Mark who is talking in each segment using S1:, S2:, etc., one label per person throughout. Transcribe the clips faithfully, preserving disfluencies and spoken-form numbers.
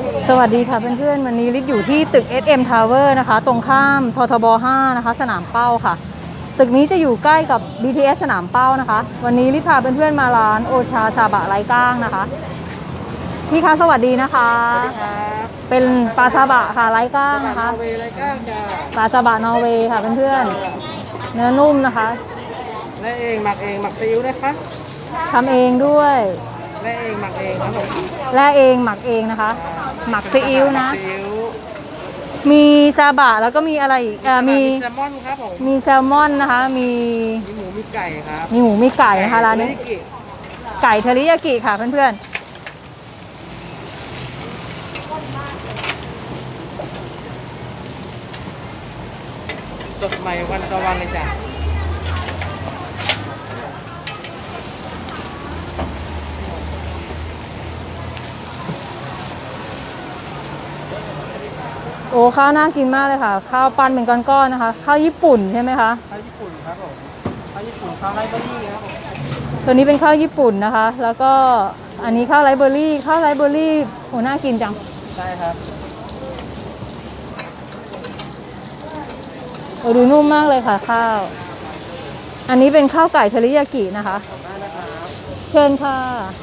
S1: สวัสดีค่ะเพื่อนๆวันนี้ลิศอยู่ที่ตึก เอส เอ็ม Tower นะคะตรงข้ามททบ ห้า นะคะสนามเป้าค่ะตึกนี้จะอยู่ใกล้กับ บี ที เอส สนามเป้านะคะวันนี้ลิศพาเพื่อนๆมาร้านโอชาซาบะไร้ก้างนะคะพี่คะสวัสดีนะคะ
S2: สวัสดีครับ
S1: เป็นปลาซาบะค่ะไร้ก้างนะคะ
S2: นอร์เวย์ไรก้างจ้า
S1: ปลาซาบะนอร์เวย์ค่ะเพื่อนๆเนื้อนุ่มนะคะ
S2: และเองหมักเองหมักซีอิ๊วนะคะ
S1: ทำเองด้วย
S2: และเองหมักเองครับผม
S1: และเองหมักเองนะคะหมักซีอิ๊วนะ
S2: ซีอิ๊ว
S1: มีซาบะแล้วก็มีอะไรอีกเอ่อมี
S2: แซลมอนครับผม
S1: มีแซลมอนนะคะมี
S2: มีหมูมีไก่ครับ
S1: มีหมูมีไก่นะคะร้านนี้ไก่เทริยากิค่ะเพื่อน
S2: สดใหม่วันต่อวันเลยจ้ะ
S1: โอ้ข้าวน่ากินมากเลยค่ะข้าวปั้นเป็นก้อนๆนะคะข้าวญี่ปุ่นใช่ไหมคะ
S2: ข้าวญี่ปุ่นครับผมข้าวญี่ปุ่นข้าวไรเบอรี่ครับผม
S1: ตัวนี้เป็นข้าวญี่ปุ่นนะคะแล้วก็อันนี้ข้าวไรเบอรี่ข้าวไรเบอรี่โอ้น่ากินจัง
S2: ใช่ครับ
S1: โอ้ดูนุ่มมากเลยค่ะข้าวอันนี้เป็นข้าวไก่เทริยากินะคะเชิญค่ะ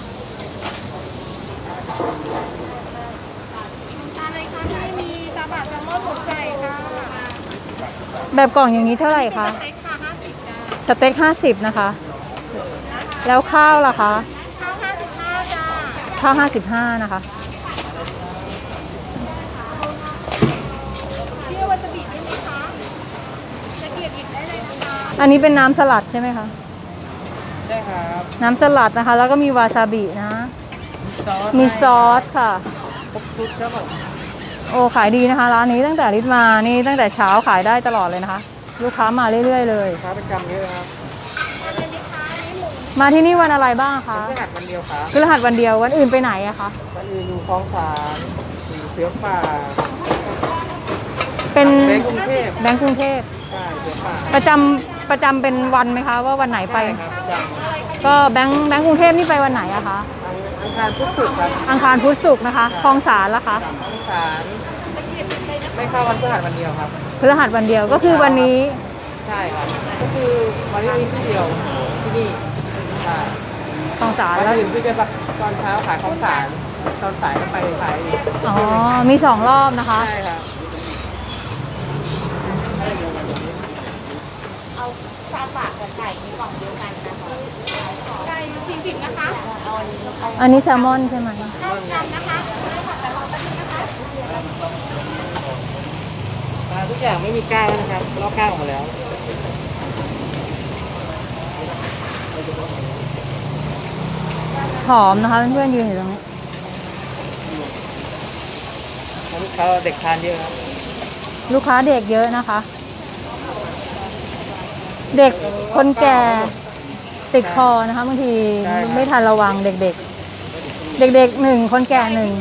S3: อะไรคะที่มีซาบะแซลมอนหมูไก่ค่ะ
S1: แบบกล่องอย่างนี้เท่าไหร่คะ
S3: สเต็กค่ะห้าสิบจ้า
S1: สเต็กห้าสิบนะคะแล้วข้าวล่ะคะ
S3: ข้าวห้าสิบห้าจ้า
S1: ข้าวห้าสิบห้านะคะ
S3: พี่วาซาบิได้ไหมคะจะเกียบหยิบได้เลยนะคะ
S1: อันนี้เป็นน้ำสลัดใช่ไหมคะ
S2: ใช่ครับ
S1: น้ำสลัดนะคะแล้วก็มีวาซาบินะมีซอสค่ะ
S2: ครบชุดครับผม
S1: โอ้ขายดีนะคะร้านนี้ตั้งแต่ลิศมานี่ตั้งแต่เช้าขายได้ตลอดเลยนะคะลูกค้ามาเรื่อยๆเลย
S2: ค้าเป็นกำเยอะครับ
S1: มาที่นี่วันอะไรบ้างคะ
S2: พฤหัสวันเดียวครับ
S1: พฤหัสวันเดียววันอื่นไปไหนอะคะ
S2: วันอื่นอยู่คลองสานอยู่เสือป่า
S1: เป็น
S2: แบงก์กรุงเทพ
S1: แบงก์กรุงเทพ
S2: ใช่เสือป่า
S1: ประจำประจำเป็นวันไหมคะว่าวันไหนไป
S2: ครับ
S1: ก็แบงก์แบงก์กรุงเทพนี่ไปวันไหนอะคะ
S2: อังคารพุธศุกร์ครับ
S1: อังคารพุธศุกร์นะคะคลองสารละคะ
S2: คลองสารไม่เข้าวันพฤหัสวันเดียวครับ
S1: พฤหัสวันเดียวก็คือวันนี้
S2: ใช่ครับก็คือวันนี้มีที่เดียวที่นี่ใช่
S1: คลองสาร
S2: วัน
S1: แล้ว
S2: อื่นพี่จะตอนเช้าขายคลองสารตอนสายก็ไปขายอีก
S1: อ๋อมีสองรอบนะคะ
S2: ใช่ครับ
S3: เอาซาบะกับไก่ในกล่องเดียวกันนะคะไก่สี่สิบนะคะเอาอันนี้
S1: อันนี้แซลมอนใช่ไหม
S3: เท่ากันนะคะแต่เราจะนะคะ
S2: ทุกอย่างไม่มีก้างนะครับลอกก้างออกมาแล้ว
S1: หอมนะคะเพื่อนๆยืนอยู่ตรงนี้
S2: ลูกค้าเด็กทานเยอะครับ
S1: ลูกค้าเด็กเยอะนะคะ เด็กคนแก่ติดคอนะคะบางทีไม่ทันระวังเด็กๆเด็กๆหนึ่งคนแก่หนึ่ง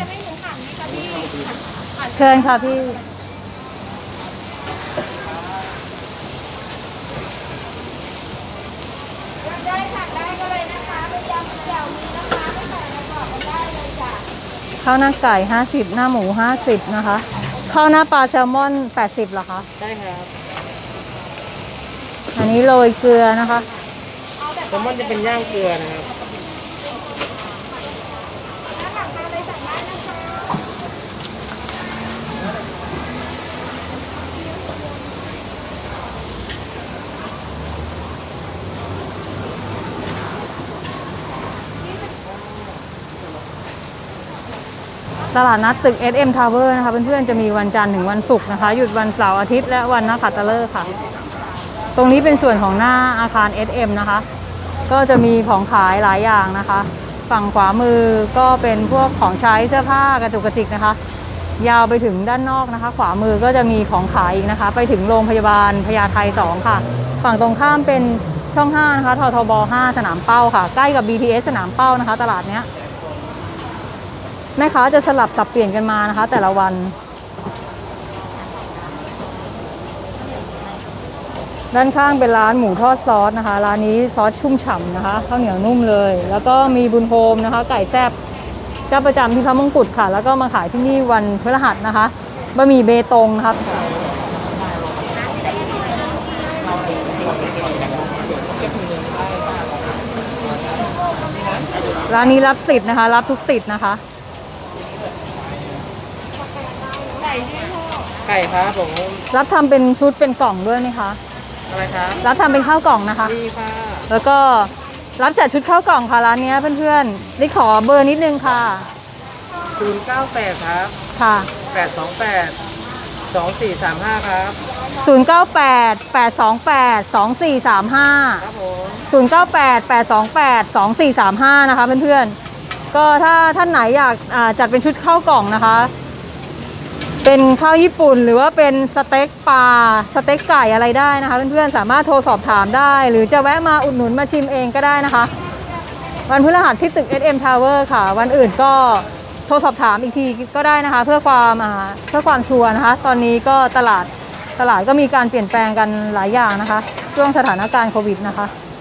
S1: เชิญค่ะพี่
S3: ได้ค่ะได้ก็เลยนะคะเป็นยำแจ่วมีนะคะไม่ใส่ในกล่องได้เลยจ้ะ
S1: ข้าวหน้าไก่ห้าสิบหน้าหมูห้าสิบนะคะข้าวหน้าปลาแซลมอนแปดสิบเหรอคะ
S2: ได้ครับ
S1: อันนี้โรยเกลือนะคะ
S2: แซลมอนจะเป็นย่างเกลือนะครับ
S1: ตลาดนัดตึก เอส เอ็ม Tower นะคะเพื่อนๆจะมีวันจันทร์ถึงวันศุกร์นะคะหยุดวันเสาร์อาทิตย์และวันนักขัตฤกษ์ค่ะตรงนี้เป็นส่วนของหน้าอาคาร เอส เอ็ม นะคะก็จะมีของขายหลายอย่างนะคะฝั่งขวามือก็เป็นพวกของใช้เสื้อผ้ากระจุกกระจิกนะคะยาวไปถึงด้านนอกนะคะขวามือก็จะมีของขายอีกนะคะไปถึงโรงพยาบาลพญาไทสองค่ะฝั่งตรงข้ามเป็นช่องห้านะคะททบห้าสนามเป้าค่ะใกล้กับ บี ที เอส สนามเป้านะคะตลาดเนี้ยแม่ค้าจะสลับสับเปลี่ยนกันมานะคะแต่ละวันด้านข้างเป็นร้านหมูทอดซอสนะคะร้านนี้ซอสชุ่มฉ่ำนะคะข้าวเหนียวนุ่มเลยแล้วก็มีบุญโฮมนะคะไก่แซ่บเจ้าประจำที่พระมงกุฎค่ะ แล้วก็มาขายที่นี่วันพฤหัสนะคะบะหมี่เบตงนะครับร้านนี้รับสิทธิ์นะคะ รับทุกสิทธิ์นะคะ
S2: ไก่ครับผม
S1: รับทำเป็นชุดเป็นกล่องด้วยไหมคะ
S2: อะไรครับ
S1: รับทำเป็นข้าวกล่องนะคะ
S2: ดีค่ะ
S1: แล้วก็รับจัดชุดข้าวกล่องค่ะร้านนี้เพื่อนๆได้ขอเบอร์นิดนึงค่ะ
S2: ศูนย์เก้าแปดครับ
S1: ค่ะ
S2: แปดสองแปดสองสี่สามห้าครับ
S1: ศูนย์ เก้า แปด แปด สอง แปด สอง สี่ สาม ห้า
S2: ครับผม
S1: ศูนย์ เก้า แปด แปด สอง แปด สอง สี่ สาม ห้านะคะเพื่อนๆก็ถ้าท่านไหนอยากอ่าจัดเป็นชุดข้าวกล่องนะคะ เป็นข้าวญี่ปุ่นหรือว่าเป็นสเต็กปลาสเต็กไก่อะไรได้นะคะเพื่อนๆสามารถโทรสอบถามได้ หรือจะแวะมาอุดหนุนมาชิมเองก็ได้นะคะ วันพฤหัสที่ตึก เอส เอ็ม Tower ค่ะ วันอื่นก็โทรสอบถามอีกทีก็ได้นะคะ เพื่อความอ่าเพื่อความชัวร์นะคะ ตอนนี้ก็ตลาดตลาดก็มีการเปลี่ยนแปลงกันหลายอย่างนะคะ ช่วงสถานการณ์โควิดนะคะ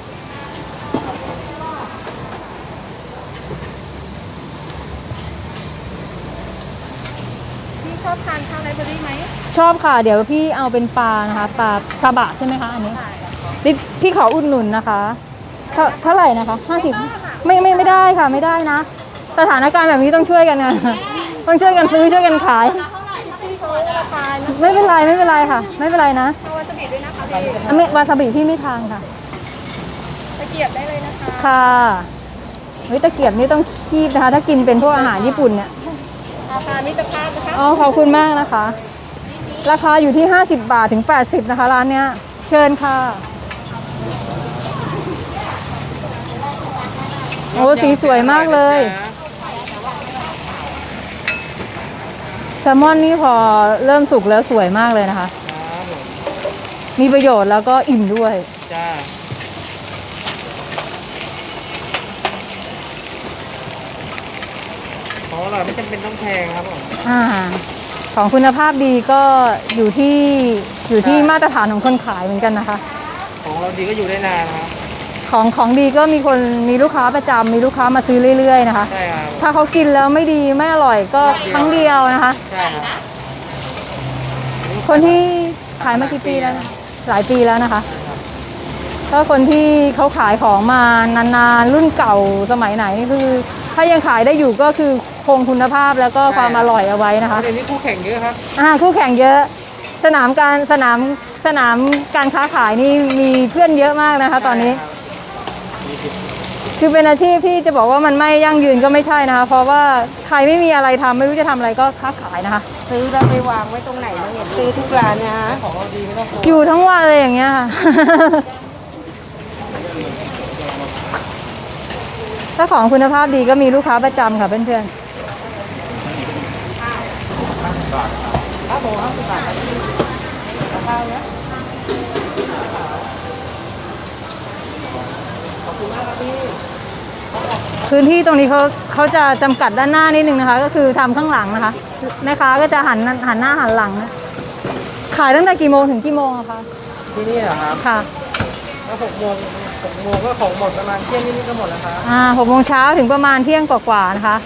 S3: พี่ชอบทานข้าวไรเบอรี่ไหม
S1: ชอบค่ะ เดี๋ยวพี่เอาเป็นปลานะคะปลาซาบะใช่ไหมคะอันนี้นี่พี่ขออุดหนุนนะคะเท่าเท่าไหร่นะคะห้าสิบไม่ไม่ไม่ได้ค่ะไม่ได้นะ สถานการณ์แบบนี้ต้องช่วยกันนะต้องช่วยกันซื้อช่วยกันขาย
S3: เท่าไหร่ถ้าพี่โชว์ราคา
S1: ไม่เป็นไรไม่เป็นไรค่ะ ไม่เป็นไรนะ
S3: เอาวาซาบิด้วยนะคะพี่
S1: อ่ะไม่วาซาบิพี่ไม่ทานค่ะ
S3: ตะเกียบได้เลยนะคะ
S1: ค่ะเฮ้ยตะเกียบนี่ต้องคีบนะคะ ถ้ากินเป็นพวกอาหารญี่ปุ่นเนี่ย
S3: ราคามิตรภาพนะคะ
S1: อ๋อขอบคุณมากนะคะ ราคาอยู่ที่ห้าสิบบาทถึงแปดสิบนะคะร้านเนี้ยเชิญค่ะโอ้สีสวยมากเลยแซลมอนนี่พอเริ่มสุกแล้วสวยมากเลยนะคะ
S2: ครับผม
S1: มีประโยชน์แล้วก็อิ่มด้วย
S2: จ้าของอร่อยไม่จำเป็นต้องแพงครับผม
S1: อ่าของคุณภาพดีก็อยู่ที่อยู่ที่
S2: ใช่
S1: มาตรฐานของคนขายเหมือนกันนะคะ
S2: ของเราดีก็อยู่ได้นานครับ
S1: ของของดีก็มีคนมีลูกค้าประจำมีลูกค้ามาซื้อเรื่อยๆนะคะ
S2: ใช่ครับ
S1: ถ้าเขากินแล้วไม่ดีไม่อร่อยก็ครั้งเดียวนะคะ
S2: ใช่ครับ
S1: คนที่ขายมากี่ปีแล้วนะหลายปีแล้วนะคะก็คนที่เขาขายของมานานๆรุ่นเก่าสมัยไหนนี่คือ ถ้ายังขายได้อยู่ก็คือคงคุณภาพแล้วก็ความอร่อยเอาไว้นะคะ
S2: เดี๋ยวนี้คู่แข่งเยอะครับ
S1: อ่าคู่แข่งเยอะ สนามการสนามสนามการค้าขายนี่มีเพื่อนเยอะมากนะคะ ตอนนี้ คือเป็นอาชีพที่จะบอกว่ามันไม่ยั่งยืนก็ไม่ใช่นะคะ เพราะว่าใครไม่มีอะไรทำไม่รู้จะทำอะไรก็ค้าขายนะคะ
S3: ซื้อแล้วไปวางไว้ตรงไหนเราเห็นซื้อทุกร้านนะ
S2: ของเราดีไม่ต้องกลัว
S1: อยู่ทั้งวันเลยอย่างเงี้ยค่ะ ถ้าของคุณภาพดีก็มีลูกค้าประจำค่ะเพื่อน
S2: ครับผมห้าสิบบาทครับกับข้าวเนี้ยขอบคุณมากครับพี่
S1: ๆพื้นที่ตรงนี้เขาเขาจะจำกัดด้านหน้านิดนึงนะคะ ก็คือทำข้างหลังนะคะแม่ค้าก็จะหันหันหน้าหันหลังนะขายตั้งแต่กี่โมงถึงกี่โมงอะคะ
S2: ที่นี่เหรอครับ
S1: ค่ะ
S2: แล้วหกโมงหกโมงก็ของหมดประมาณเที่ยงนิดๆก็หมดแล้วครับ
S1: อ่าหกโมงเช้าถึงประมาณเที่ยงกว่าๆนะคะ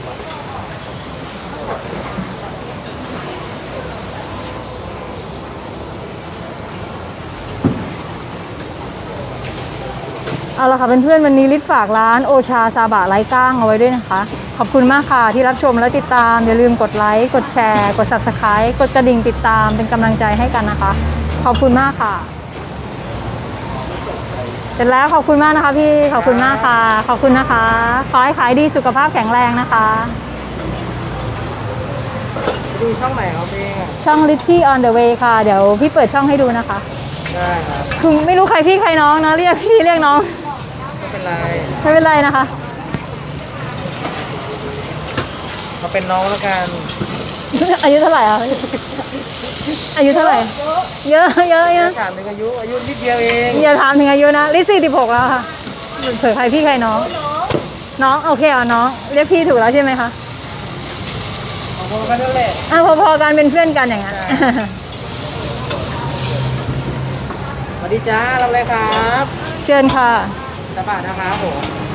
S1: เอาละค่ะเพื่อนๆวันนี้ลิศฝากร้านโอชาซาบะไร้ก้างเอาไว้ด้วยนะคะ ขอบคุณมากค่ะที่รับชมและติดตาม อย่าลืมกดไลค์กดแชร์กด ซับสไครบ์ กดกระดิ่งติดตามเป็นกำลังใจให้กันนะคะ ขอบคุณมากค่ะเสร็จแล้วขอบคุณมากนะคะพี่ขอบคุณมากค่ะ ขอบคุณนะคะขอให้ขายดีสุขภาพแข็งแรงนะคะ
S2: ดูช่องไหนครับพี่อ่ะ
S1: ช่อง Richie on the way ค่ะ เดี๋ยวพี่เปิดช่องให้ดูนะคะ
S2: ได้ครับ
S1: คือไม่รู้ใครพี่ใครน้องนะเรียกพี่เรียกน้อง
S2: ไม่เป็นไร
S1: ไม่เป็นไรนะคะ
S2: มาเป็นน้องแล้วกัน
S1: อายุเท่าไหร่อ่ะ อายุเท่าไหร่ เยอะเยอะเยอะ
S2: ถามถึงอายุอายุนิดเดียวเอง
S1: อย่าถามถึงอายุนะลิสี่สิบหกแล้วค่ะเผื่อใครพี่ใครน้อง น้องโอเคอ่ะน้อง เรียกพี่ถูกแล้วใช่ไหมคะ
S2: ของคนกันนั่นแหละ
S1: อ่ะพอๆกันเป็นเพื่อนกันอย่างนั้น
S2: สวัสดีจ้าเราเลยครับ
S1: เชิญค่ะ
S2: ตาบาทนะครับผม